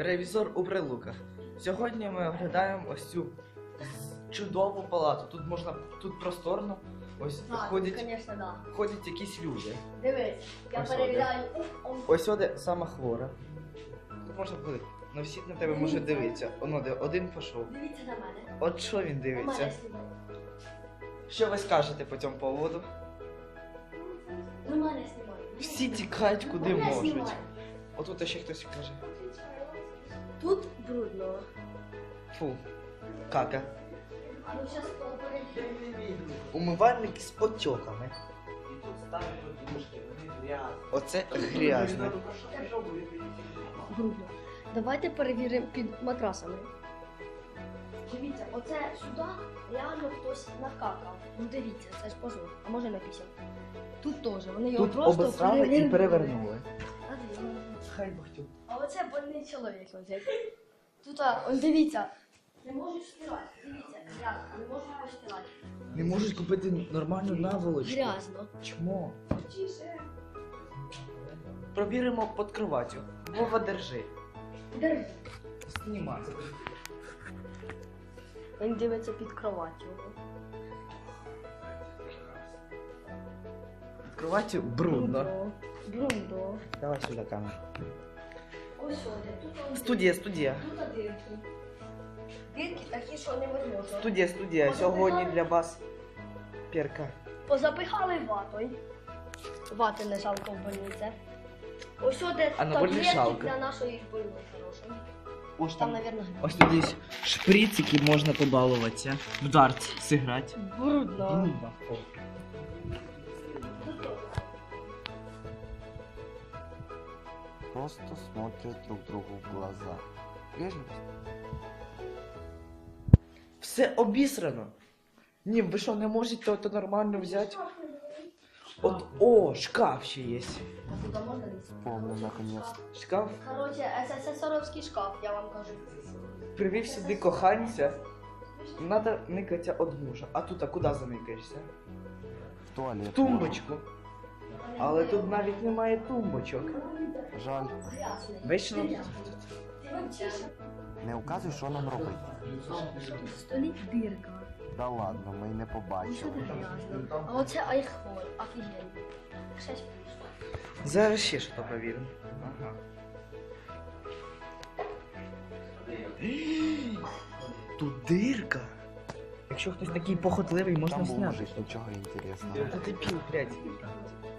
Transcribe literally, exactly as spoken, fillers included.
Ревізор у Прилуках. Сьогодні ми оглядаємо ось цю чудову палату. Тут можна, тут просторно. Ось А, ходять, звісно, да. ходять якісь люди. Дивись, я Ось перевіряю. Ось оде сама хвора. Тут можна ходити. Ну всі на тебе можуть дивитися. Оно де один пішов. Дивіться на мене. От що він У дивиться? мене знімає. Що ви скажете по цьому поводу? Ну, мене знімає. Всі тікають куди Мене можуть. знімає. Отут ще хтось каже. Тут брудно. Фу, кака. А ну зараз перевірю. Умивальник з потьоками. І тут ставлять подушки, вони грязні. Оце грязно. Брудно. Давайте перевіримо під матрасами. Дивіться, оце сюди реально хтось накакав. Ну дивіться, це ж позор. А може написав. Тут теж. Вони його Тут просто обосрали і перевернули. А, дивіться. Хай бахтю. А оце больний чоловік лежить. Тут, а, он дивіться. Не можуть стирати. Дивіться, грязно. Не можуть постирати. Не можуть купити нормальну наволочку. Грязно. Чмо? Провіримо під кроваттю. Вова, держи. Держи. Знімай. Він дивиться під кроваттю. Під кроваттю брудно. Брудно. Давай сюди камеру. Ось сюди. Тут он Студія, студія. Тут дирки. Дирки такі, що невозможно. Студія, студія. Сьогодні для вас перка. Позапихали ватою. Вати не жалко в больниці. Ось сюди А на больниці таблетки жалко. для нашої больної хорошої. Ось Там, там. мабуть, Ось тут є шприц, який можна побалуватися. В дарт зіграти. брудно. Брудно. Просто смотрят друг другу в глаза. Вежливость? Все обісрано. Ні, ви що, не можете то нормально взяти? От, о, шкаф ще є. А туди можна лізти? Помню, наконец. Шкаф Коротше, СССРовський шкаф, я вам кажу. привів сюди коханця. Надо никатися від мужа. А тут, а куди заникаєшся? В туалет. В тумбочку. Але тут навіть немає тумбочок. можна. Жаль. Грязний. Вечно. Не указуй, що нам робити. В столі дирка. Да ладно, ми й не Ось побачили. сюди грязно. А оце айхол, офігенно. Щось прийшло. Зараз ще щось провіримо. Ага. Тут дирка. Якщо хтось такий похотливий, можна Там був зняти. мужик, нічого інтересного. Та ти пів, блядь.